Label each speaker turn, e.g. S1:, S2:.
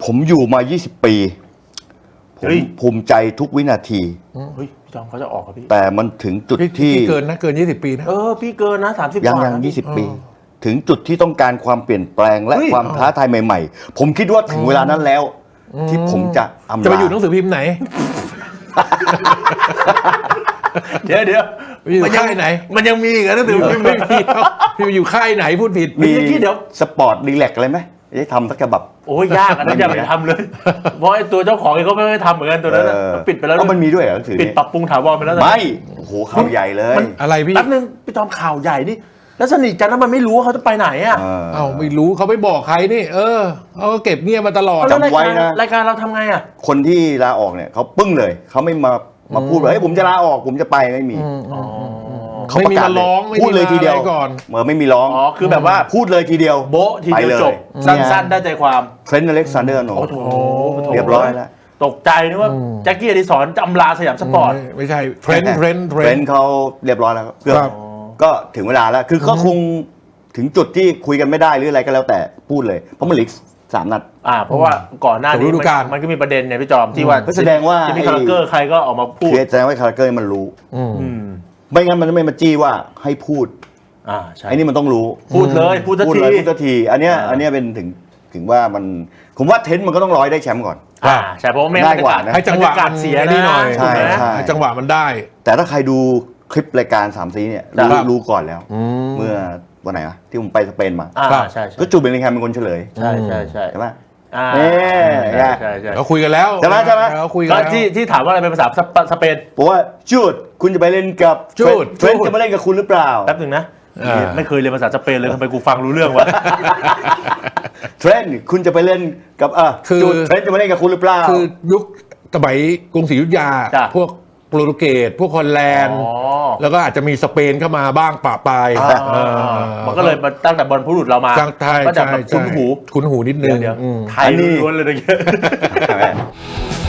S1: ผมอยู่มา20 ปีผมภูมิใจทุกวินาที
S2: เฮ้ยพี่จอมเขาจะออกครับพี่
S1: แต่มันถึงจุดที่
S3: เกินนะเกิน20 ปีนะ
S2: พี่เกินนะ30 ก
S1: ยัง
S2: ว่า
S1: 20 ปี ถึงจุดที่ต้องการความเปลี่ยนแปลงและความท้าทายใหม่ๆ ผมคิดว่าถึงเวลานั้นแล้ว ที่ผมจะอำลา
S3: จะไปอยู่หนังสือพิมพ์ไหน
S2: เดี๋ยว
S3: อยู่ค่ายไหน
S2: มันยังมีอีกนะหนังสือพิมพ์
S3: ไม่มีพี่ไปอยู่ค่ายไหนพูดผิด
S1: มี
S2: เดี๋ยว
S1: สปอร์ตดีแลกอะไรไหมจะทำสักฉบับ
S2: โอ้ยยากอันนั้นอย่าไปทำเลย เพราะไอ้ตัวเจ้าของเองเขาไม่ได้ทำเหมือนกันตัวนั้นปิดไปแล้ว
S1: มันมีด้วยเหรอหนังสือ
S2: ปิด
S1: นี้
S2: ปรับปรุงถาวรไปแล้ว
S1: ไม่โอ้โหข่าวใหญ่เลย
S3: อะไรพี่
S2: แป๊บนึงพี่จอมข่าวใหญ่นี่แล้วสนิทกันแล้วมันไม่รู้ว่าเขาจะไปไหนอ่ะ
S3: เอ้าไม่รู้เขาไม่บอกใครนี่เขาก็เก็บเงียบมาตลอด
S2: แล้วรายการเราทำไงอ่ะ
S1: คนที่ลาออกเนี่ยเขาปึ้งเลยเขาไม่มาพูดว่าเฮ้ยผมจะลาออกผมจะไปไม่มีเขา
S3: ไม่
S1: ประ
S3: มี
S1: กาศ
S3: มาร้องไม่
S1: พูดเลยทีเดียว
S3: มาอะไรก่อน
S1: เหมือนไม่มีร้อง
S2: คือแบบว่า
S1: พูดเลยทีเดียว
S2: โบ๊ะทีเดียวจบ
S1: ไปเลย
S2: สั้นๆได้ใจความ
S1: เทรนต์อเล็กซานเดอร์โน
S2: โอ้โห
S1: เรียบร้อยแล้ว
S2: ตกใจนึกว่าแจ็คกี้อดิศรจะอำลาสยามสปอร์ต
S3: ไม่ใช่เทรนด์
S1: เขาเรียบร้อยแล้ว
S3: ครับ
S1: ก็ถึงเวลาแล้วคือก็คงถึงจุดที่คุยกันไม่ได้หรืออะไรก็แล้วแต่พูดเลยเพราะมันเหลือ3 นัด
S2: เพราะว่าก่อนหน้านี้
S3: ฤดูกาล
S2: มันก็มีประเด็นเนี่ยพี่จอมที่ว่า
S1: ก็แสดงว่า
S2: ที่มีคาราเกอร์ใครก็ออกมาพูด
S1: คือแสดงว่าคาราเกอร์มันรู้
S2: อืม
S1: ไม่งั้นมันจะไม่มาจี้ว่าให้พูด
S2: ใช่
S1: ไอ้นี่มันต้องรู้
S2: พูดเลยพูดสัก
S1: พูด
S2: ที
S1: เลยพูดสักทีอันเนี้ยเป็นถึงว่ามันผมว่าเทนต์มันก็ต้องร้อยได้แชมป์ก่อน
S2: ใช่เพราะว่าไม่
S1: ง่ายกว่านะ
S3: ให้จังหวะ
S2: บรรยากาศเสีย
S3: นี่หน่อย
S1: ใช่ใช่
S3: ให้จังหวะมันได้
S1: แต่ถ้าใครดูคลิปรายการ3 สีเนี่ย
S3: ครับ
S1: รู้ก่อนแล้ว เมื่อวันไหนวะที่ผมไปสเปนมา
S2: ใช่
S1: ก็จูเบลลิงแฮมเป็นคนเฉลย
S2: ใช่
S1: ใช่ไหม
S2: ใช่
S3: เราคุยกันแล้ว
S1: ใช่ไหม
S3: เราคุยกัน
S2: ก็
S3: แล้ว
S2: ที่ถามว่าอะไรเป็นภาษาสเปน
S1: บอกว่าจูดคุณจะไปเล่นกับ
S3: จูด
S1: เทรนต์จะมาเล่นกับคุณหรือเปล่า
S2: แป๊บหนึ่งนะไม่เคยเรียนภาษาสเปนเลยทำไมกูฟังรู้เรื่องวะ
S1: เทรนต์คุณจะไปเล่นกับจูดเทรนต์จะมาเล่นกับคุณหรือเปล่า
S3: คือยุคสมัยกรุงศรีอยุธยา
S2: จ้ะ
S3: พวกโปรตุเกสพวกฮอลแลนด์ แล้วก็อาจจะมีสเปนเข้ามาบ้างปะปลาย
S2: มันก็เลยมาตั้งแต่บอลผู้หลุดเรามา
S3: ตั้งไทย
S2: ก็จะแบบคุ้นหู
S3: คุ้นหูนิดนึง
S2: เดี๋ยว
S3: อืม
S2: ไทยล้วนๆเลยนะ